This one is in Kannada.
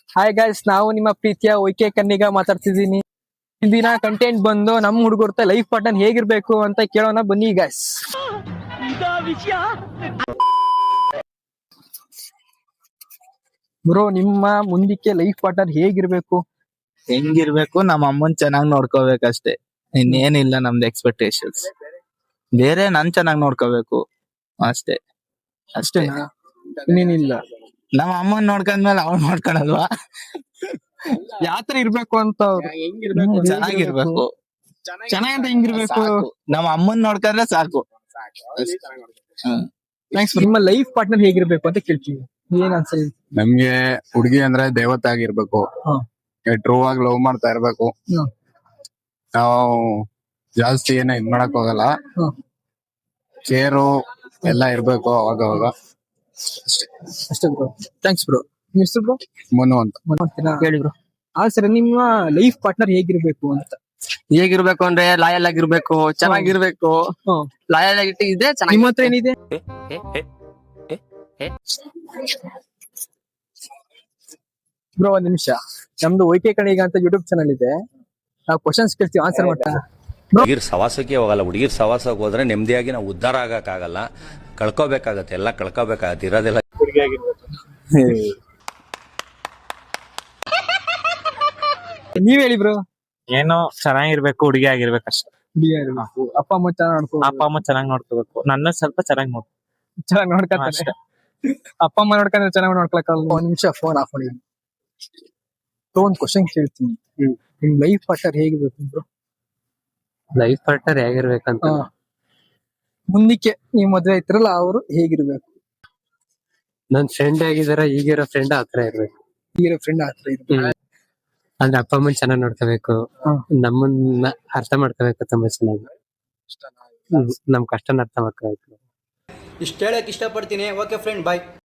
ಹಾಯ್ ಗೈಸ್, ನಾವು ನಿಮ್ಮ ಪ್ರೀತಿಯ ಒಯ್ಕೆ ಕನ್ನಿಗ ಮಾತಾಡ್ತಿದ್ದೀನಿ. ಇಂದಿನ ಕಂಟೆಂಟ್ ಬಂದು ನಮ್ಮ ಹುಡುಗರ್ತ ಲೈಫ್ ಪಾರ್ಟ್ನರ್ ಹೇಗಿರ್ಬೇಕು ಅಂತ ಕೇಳೋಣ ಬನ್ನಿ ಗೈಸ್. ಬ್ರೋ, ನಿಮ್ಮ ಮುಂದಕ್ಕೆ ಲೈಫ್ ಪಾರ್ಟ್ನರ್ ಹೇಗಿರ್ಬೇಕು? ಹೆಂಗಿರ್ಬೇಕು, ನಮ್ಮ ಅಮ್ಮನ್ ಚೆನ್ನಾಗ್ ನೋಡ್ಕೋಬೇಕಷ್ಟೇ. ಇನ್ನೇನಿಲ್ಲ ನಮ್ದು ಎಕ್ಸ್ಪೆಕ್ಟೇಷನ್ಸ್. ಬೇರೆ ನನ್ ಚೆನ್ನಾಗ್ ನೋಡ್ಕೋಬೇಕು ಅಷ್ಟೇ. ಅಷ್ಟೇನಾ? ಇನ್ನೇನಿಲ್ಲ. ನಮ್ಮ ಅಮ್ಮನ್ ನೋಡ್ಕೊಂಡ್ಮೇಲೆ ಅವ್ನ್ ನೋಡ್ಕೊಳಲ್ವಾ? ಯಾತರ ಇರ್ಬೇಕು ಅಂತ ಅವ್ರು? ಚೆನ್ನಾಗಿರ್ಬೇಕು. ಚೆನ್ನಾಗಂತ ಹೆಂಗಿರ್ಬೇಕು? ಸಾಕು. ನಮ್ಮ ಅಮ್ಮನ್ ನೋಡ್ಕೊಂಡ್ರೆ ಸಾಕು. ಥ್ಯಾಂಕ್ಸ್. ನಿಮ್ಮ ಲೈಫ್ ಪಾರ್ಟ್ನರ್ ಹೇಗಿರ್ಬೇಕು ಅಂತ ಕೇಳ್ತೀವಿ. ಏನ್ ಅನ್ಸಲ್? ನಮ್ಗೆ ಹುಡುಗಿ ಅಂದ್ರೆ ದೇವತೆ ಆಗಿರ್ಬೇಕು. ಟ್ರೂ ಆಗಿ ಲವ್ ಮಾಡ್ತಾ ಇರ್ಬೇಕು. ನಾವು ಜಾಸ್ತಿ ಏನೋ ಇದ್ ಮಾಡಕ್ ಹೋಗಲ್ಲ. ಕೇರು ಎಲ್ಲ ಇರ್ಬೇಕು ಅವಾಗ. ಅಷ್ಟೇ ಬ್ರೋ. Thanks bro. ನಿಮ್ಮ ಹೆಸರು ಬ್ರೋ? ಮನು ಅಂತ. ಹೇಳಿ ಬ್ರೋ. ಸರ್, ನಿಮ್ಮ ಲೈಫ್ ಪಾರ್ಟ್ನರ್ ಹೇಗಿರ್ಬೇಕು ಅಂತ? ಹೇಗಿರ್ಬೇಕು ಅಂದ್ರೆ ಲಾಯಲ್ ಆಗಿರ್ಬೇಕು, ಚೆನ್ನಾಗಿರ್ಬೇಕು. ಲಾಯಲ್ ಆಗಿಟ್ಟು ಇದ್ರೆ ಚೆನ್ನಾಗಿ. ನಿಮ್ಮ ಹತ್ರ ಏನಿದೆ ಬ್ರೋ? ಒಂದ್ ನಿಮಿಷ. ನಮ್ದು ಒಯ್ಕೆ ಕಣಿಗ ಅಂತ ಯೂಟ್ಯೂಬ್ ಚಾನಲ್ ಇದೆ. ನಾವು ಕ್ವಶನ್ಸ್ ಕೇಳ್ತೀವಿ, ಆನ್ಸರ್ ಮಾಡ್ತಾ. ಹುಡುಗಿರ್ ಸವಾಸಕ್ಕೆ ಹೋಗಲ್ಲ. ಹುಡುಗಿರ್ ಸವಾಸಕ್ಕೆ ಹೋದ್ರೆ ನೆಮ್ಮದಿಯಾಗಿ ನಾವು ಉದ್ಧಾರ ಆಗಕ್ಕಾಗಲ್ಲ. ಕಳ್ಕೋಬೇಕಾಗತ್ತೆ, ಎಲ್ಲ ಕಳ್ಕೋಬೇಕಾಗತ್ತೆ, ಇರೋದೆಲ್ಲ. ನೀವ್ ಹೇಳಿ ಬ್ರೋ. ಏನೋ ಚೆನ್ನಾಗಿರ್ಬೇಕು, ಹುಡುಗಿ ಆಗಿರ್ಬೇಕು ಅಷ್ಟೇ. ಅಪ್ಪ ಅಮ್ಮ ಚೆನ್ನಾಗ್ ನೋಡ್ಕೋ. ಅಪ್ಪ ಅಮ್ಮ ಚೆನ್ನಾಗಿ ನೋಡ್ಕೋಬೇಕು, ನನ್ನ ಸ್ವಲ್ಪ ಚೆನ್ನಾಗಿ ನೋಡ್ಕೊ. ಚೆನ್ನಾಗ್ ನೋಡ್ಕೊಂತಾರೆ. ಅಪ್ಪ ಅಮ್ಮ ನೋಡ್ಕೊಂಡ್ರೆ ಚೆನ್ನಾಗಿ ನೋಡ್ಕೊಳಕಲ್ಲ. ಒಂದ್ ನಿಮಿಷ ಫೋನ್ ಆಫ್ ಮಾಡಿ. ಒಂದ್ ಕ್ವಶನ್ ಕೇಳ್ತೀನಿ. ನಿಮ್ ಲೈಫ್ ಪಾರ್ಟ್ನರ್ ಹೇಗಿರ್ಬೇಕು ಬ್ರೋ? ಲೈಫ್ ಪಾರ್ಟ್ನರ್ ಹೇಗಿರ್ಬೇಕಂತ ಮುಂದಕ್ಕೆ ನೀವ್ ಮದ್ವೆ ಆಯ್ತಿರಲ್ಲ, ಅವರು ಹೇಗಿರ್ಬೇಕು? ನನ್ ಫ್ರೆಂಡ್ ಆಗಿದಾರ, ಈಗಿರೋ ಫ್ರೆಂಡ್ ಆತರ ಇರ್ಬೇಕು. ಈಗಿರೋ ಫ್ರೆಂಡ್ ಆತರ ಇರ್ಬೇಕು. ಅಂದ್ರೆ ಅಪ್ಪ ಅಮ್ಮನ್ ಚೆನ್ನಾಗ್ ನೋಡ್ಕೋಬೇಕು, ನಮ್ಮನ್ನ ಅರ್ಥ ಮಾಡ್ಕೋಬೇಕು ತುಂಬಾ ಚೆನ್ನಾಗಿ. ನಮ್ ಕಷ್ಟನ ಅರ್ಥ ಮಾಡ್ಕೋಬೇಕು. ಇಷ್ಟ ಹೇಳಕ್ ಇಷ್ಟಪಡ್ತೀನಿ. ಓಕೆ ಫ್ರೆಂಡ್, ಬಾಯ್.